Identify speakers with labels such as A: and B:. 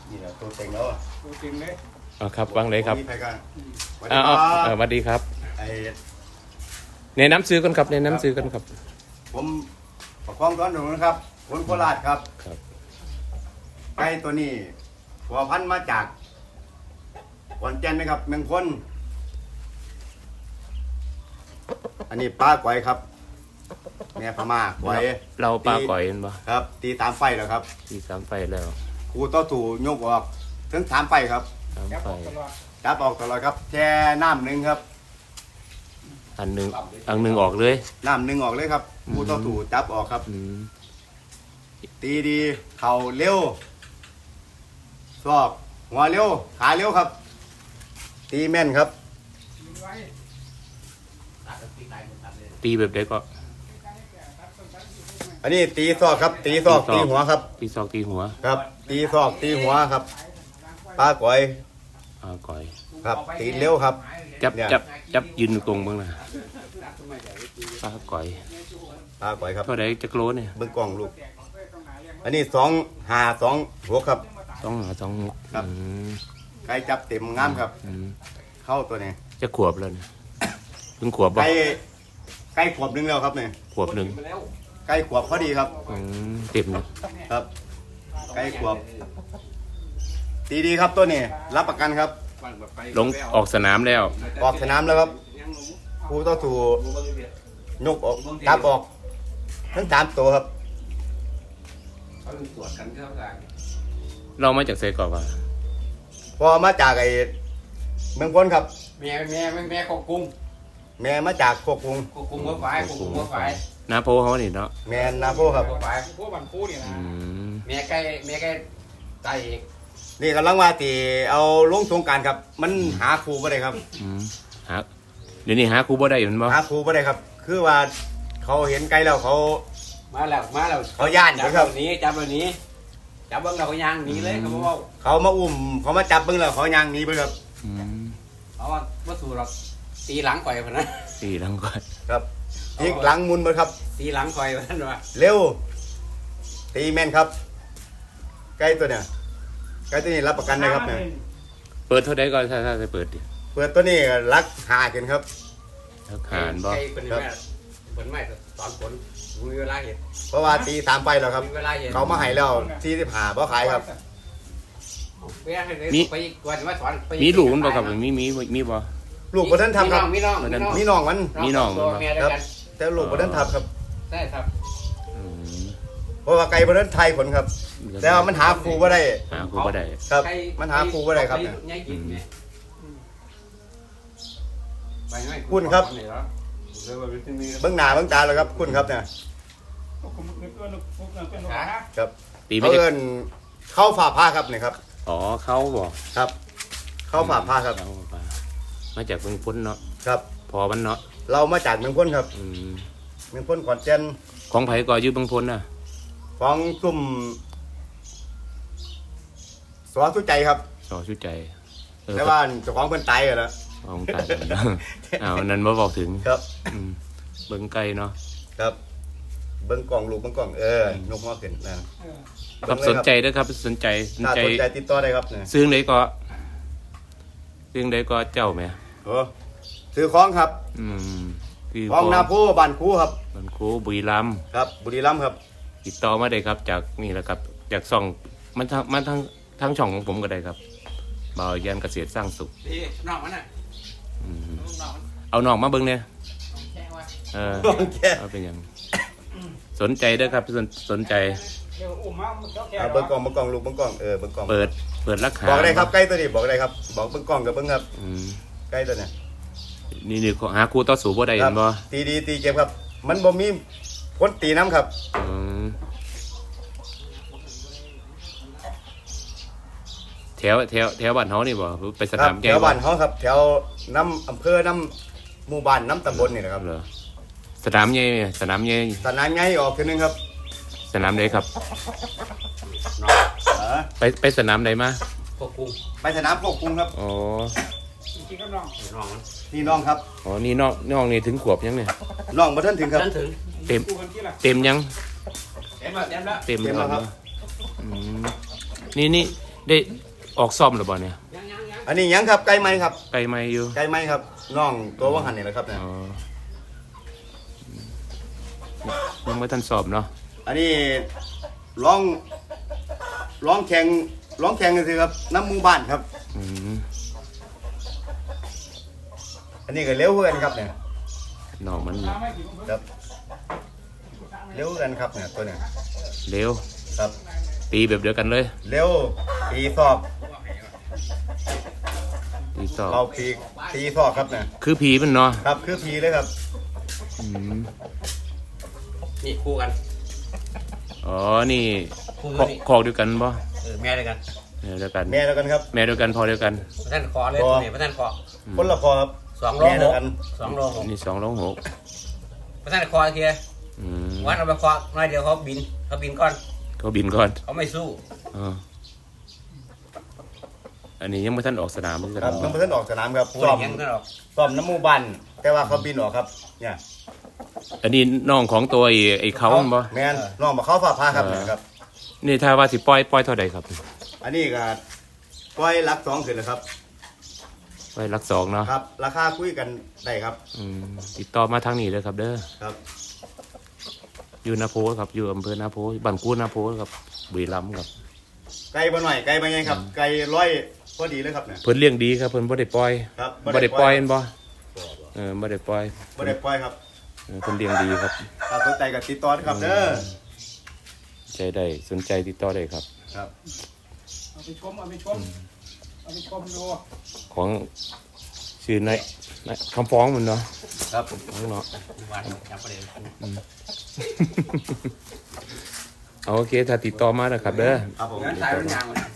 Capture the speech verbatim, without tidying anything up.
A: นี่แหละตัวเต็งแล้วตัวเต็งเลย
B: อ๋อครับวางเลยครับ
A: มีใครกันสวัส
B: อ้า
A: ดี
B: ว
A: ครับ
B: สวัสดีครับ
A: ไอ้
B: ในน้ำซื้อกันครับในน้ำซื้อกันครับ
A: ผมประคองต้อนหนูนะครับคนโคราชครับ
B: ครับ
A: ไก่ตัวนี้หัวพันธุ์มาจากขอนแก่นนะครับเมืองพ้นอันนี้ป้าก๋อยครับแม่พม่าก๋อย
B: เราปลาก่อยกันปะ
A: ครับ ตีตามไฟแล้วครับ
B: ที่สามไฟแล้ว
A: ครูต่อถูยกออกถึงสามไฟครับ
B: สามไฟ
A: จับออกตลอดครับแช่น้ำหนึ่งครับ
B: อันหนึ่งอันหนึ่งออกเลย
A: น้ำหนึ่งออกเลยครับครูต่อถูจับออกครับ
B: อืม
A: ตีดีเข่าเร็วศอกหัวเร็วขาเร็วครับ ตีแม่นครับ
B: ตีแบบใดก็
A: อันนี้ตีศอกครับ ตีศอกตีหัวครับ
B: ตีซอกตีหัว
A: ครับ ตีศอกตีหัวครับป้าก๋อย
B: ปลาก่อย
A: ครับ ตีเร็วครับ
B: จับ
A: เนี่ย
B: จับจับยืนตรงบ้างนะปลาก่อย
A: ป้าก๋อยครับ
B: เท่าไหร่จะโลเนี่ย
A: เบิ้งกล้องลูก อันนี้สองหาสองหัวครับ
B: สองหาสองหก
A: ครับ
B: อืม
A: ไก่จับเต็มงามครับ
B: อืม
A: เข้าตัวนี้
B: จะขวบแล้วเนี่ยเพิ่งขวบบ่
A: ไก่ไก่ขวบหนึงแล้วครับเนี่ย
B: ขวบหนึ่ง
A: ไก่ขวบพอดีครับ
B: อืมเต็มเลย
A: ครับ ไก่ขวบ ตีดีครับตัวนี้รับประกันครับ
B: ลงออกสนามแล้ว
A: ออกสนามแล้วครับครูต้องถูยกออกจับออก ทั้งสามตัวครับ
B: เรามาจากเซกอบอ่ะ
A: พอมาจากไอ้เมืองพ้นครับ
C: แม่แม่แม่แม่ของกุ้ง
A: แม่มาจากโคกรุง
C: ของกุ้งหัวไฟของกุ้งหัวไฟ
B: นาโพเขานี่เนาะ
A: แม่นาโพครับ
C: หัวไฟ
D: พวกบันคูนี่นะ
B: อืม
C: แม่ใกล้แม่ใกล้ตายเอง
A: นี่กำลังว่าตีเอาลงสงกรารครับ มันหาครูไม่ได้ครับ
B: อืมหาเดี๋ยวนี้หาครูบ่ได้อยู่มันบ่
A: หาครูไม่ได้ครับ คือว่าเขาเห็นไกลแล้วเขา
C: มาแล้วมาแล้ว
A: เขาย่าน
C: จับ
A: ครั
C: แบบ บนี้จับแบบนี้จับเบิ้งเราก็ย่างหนีเลยเขาบอกว่า
A: เขามาอุ้มเขามาจับเบิ้งแล้วเขายางหนี้ไปครับ
B: อืม
C: เขาว่าวัตถุเราตีหลังก่อยพนะ
B: สี่หลังก่อน
A: ครับอีกหลังมุนไปครับ
C: ตีหลังก่อยพนันว่า
A: เร็ว ตีแม่นครับไก่ตัวเนี่ยไก่ตัวนี้รับประกันนะครับเนี่ย
B: เปิดเท่าใดก่อนถ้าถ้าจะเปิดดิ
A: เปิดตัวนี้รักหาขึ้นครับ
B: แล้วหารบ่
C: ใกล้เป็นแม่เป็นแม่ตอนฝนมีเวลาเห็น
A: เพราะว่าตีสามไปแล้วครับ
C: มีเวลาเห็น
A: เขามาให้แล้วที่สิบหาเพราะขายครับ
C: เวลาเห็นไปกวนมาสอน
B: มีลูกมันบ่ครับมีมีมีบ่
A: ลูกบนท่านทำครับ
C: มีน้องมีน้อง
A: มีน้องมัน
B: มีน้องมัน
C: ตัวแม่ด้วยกัน
A: แต่ลูกบนท่านทำครับ
C: ใช่ครับ
B: อืม
A: เพราะว่าไก่บนท่านไทยผลครับ แต่ว่ามันหาครูว่าได้
B: หาครูบ่ได้
A: ครับ มันหาครูว่าได้ครับเนี่ย
C: ง่ายกินไง
A: คุณครับ เบื้องหน้าเบื้องตาแล้วครับคุณครับเนี่ย
D: พวกผมคือตัวลูกพวกนั้นเป็นลูกนะ
A: ครับ
B: ตีไม่
A: เขา
B: ได้
A: เอินเข้าฝ่าผ้าครับเนี่ยครับ
B: อ๋อเขาบ่
A: ครับ เข้าฝ่าผ้าครับ
B: เข้ฝ่ามาจากเมืองพ้นเนาะ
A: ครับ
B: พอมันเนาะ
A: เรามาจากเมืองพ้นครับ
B: อืม
A: เมืองพ้นขอนแก่น
B: ของไผก็อยู่เมืองพ้นน่ะ
A: ของกลุ่มสวัสดิ์ใจครับ
B: สอชุดใจเออ
A: แต่ว่าเจ้าของเพิ่นตายกันแล้ว
B: ของตายกันเนาะอ้าวอันนั้นบ่บอกถึง
A: ครับ
B: อืมเบิ่งไกลเนาะ
A: ครับ เบิ้งกล่องลูกเบิ้งกล่องเออยกหัวขึ้นนะ
D: เออ
B: ครับสนใจเด้อครับสนใจสน
A: ถ้า
B: ใจ
A: สนใจติดต่อได้ครับเนี่ย
B: ซื้อไหนก็ซื้อไหนก็เจ้าแหม่
A: โอ้ซื้อของครับ
B: อืมคือ
A: ของนาโพบ้านคูครับ
B: มันครูบุรีรัมย์
A: ครับ บุรีรัมย์ครับ
B: ติดต่อมาได้ครับ จากนี่แหละครับ จากช่องมันทั้งมันทั้งทั้งช่องของผมก็ได้ครับบ่าวยันเกษตรสร้างสุข
C: พี่น้องมันน่ะ
B: อืม
C: น้องมัน
B: เอาน้องมาเบิ่งเนี่ย
C: แค่ว่า
B: เออ
A: โอเค
B: เอาเป็นหยังสนใจเด้อครับสนสนใจ
D: เดี๋ยวอุ้มมาเจ้าแก่
A: เอาเบิ้งกล่องเบิ้งกล่องลูกเบิ้งกล่องเออเบิ้งกล่อง
B: เปิดเปิดราคา
A: บอกได้ครับใกล้ตัวนี้บอกได้ครับ บอกเบิ้งกล่องกับเบิ้งครับ
B: อืม
A: ใกล้ตัวเนี่ย
B: นี่นี่หาครูต่อสู้บ่ได้
A: ค
B: เห็
A: รั
B: นบ่
A: ตีดีตีเจ็บครับ มันบ่มีพ้นตีน้ำครับ
B: อืมแถวแถวแถวบ้านเฮานี่บ่ไปส
A: ครั
B: นา
A: บ
B: ม
A: แถ
B: ใหญ่
A: ว
B: บ่
A: บ้านเขาครับ แถวน้ำอำเภอน้ำหมู่บ้านน้ำตำบลนี่นะครับ
B: เหรอสนามใหญ่สนามใหญ่
A: สนามไงออกทีนึงครับ
B: สนามใดครับ
A: เออ
B: ไปไปสนามใดมา
C: พวกกุ้ง
A: ไปสนามพวกกรุงครับ
B: อ๋อ
D: จริงๆก็น้อง
C: น้องมัน
A: นี่น้องครับ
B: อ๋อนี่น้องน้องนี่ถึงขวบยังเนี่ย
A: น้องมาท่านถึงครับ
C: ฉันถึง
B: เต็ม
D: กูกันที่ละ
B: เต็มยัง
C: เต็มแล้วเต็มแล้ว
B: เต็ม
A: เต็มแล้วครับ
B: อืมนี่นี่ได้ออกซ่อมหรือเปล่าเนี่ย
C: ยังยังยัง
A: อันนี้ยังครับไก่ไหมครับ
B: ไกลไหมอยู่
A: ไก่ไหมครับน้องตัวว่างหันนี่แหละครับเนี่ย
B: อ๋อยังไม่ทันสอบเนาะ
A: อันนี้ร้องร้องแข่งร้องแข่งกันสิครับน้ำหมู่บ้านครับ
B: อืม
A: อันนี้ก็เร็วเพื่อนครับเนี่ย
B: น้องมัน
D: น้ำไม่กี่คน
A: ครับเร็วกันครับเนี่ยตัวเนี่ย
B: เร็ว
A: ครับ
B: ตีแบบเดียวกันเลย
A: เร็วตีซอก
B: ตีสอบ
A: เราปีกตีซอกครับเนี่ย
B: คือผีมันเนาะ
A: ครับคือพีเลยครับ
B: อืม
C: นี่คู่กัน
B: อ๋อนี่
C: คู่
B: คอก
C: นี่
B: คอกเดียวกันป่ะ
C: เออแม่ด้วยกัน
B: แม่เดียวกัน
A: แม่แล้วกันครับ
B: แม่เดียวกันพอเดียวกัน
C: พระท่านคอเลย
A: คอ
C: นี่พระท่านคอ
A: คนละพอครับ
C: สองโล
A: แม่
C: ห
A: แล้ว
C: ก
A: กัน
C: สองโลหก
B: นี่สองร้องหก
C: พระท่านคอเทีย
B: อืม
C: วันเอาไปคอน้อยเดียวเขาบินเขาบินก่อน
B: เขาบินก่อน
C: เขาไม่สู้
B: อ๋ออันนี้ยังไม่ทันออกสนามเหมือนกัน
A: ครับน้องเพื่อนออกสนามครับ
C: คู่
A: ซ้อม
C: ยังก็หรอก
A: ซ้อมน้ำหมูบันแต่ว่าเขาบินออกครับเนี่ย
B: อันนี้น้องของตัวไอ้ไอ้เขามันบ่
A: แมนน้องมาเข้าฝ่าพาครับเนี่ยครับ
B: นี่ถ้าว่าสิปล่อยปล่อยเท่าใดครับ
A: อันนี้ก็ปล่อยลักสองขึ้นแล้วครับ
B: ปล่อยหลักสองเนาะ
A: ครับ ราคาคุยกันได้ครับ
B: อืมติดต่อมาทางนี้เลยครับเด้อ
A: ครับ
B: อยู่นาโพครับอยู่อำเภอนาโพบ้านกู้นาโพครับบุรีรัมย์ครับ
A: ไก่บ่หน่อยไก่บ่ไงครับ ไก่ร้อยพอดีเลยครับเนี่ย
B: เพิ่นเลี้ยงดีครับเพิ่นบ่ได้ปล่อย
A: ครับ
B: บ่ได้ปล่อยเห็นบ่เออบ่ได้ปล่อย
A: บ่ได้ปล่อยครับ
B: เออเพิ่นเลี้ยงดีครับ
A: ถ้าสนใจก็ติดต่อนะครับเด้อ
B: ใจได้สนใจติดต่อได้ครับ
A: ครับ
D: เอาไปชมเอาไปชมเอาไปชมดู
B: ของชื่อนายนายคำฟ้องมันเนาะ
A: ครับ
B: ของเนาะ
C: วันจับประเด็น
B: เอาโอเคถ้าติดต่อมานะครับเด้อ
A: ครับผม
C: งั้นสายมันยางมัน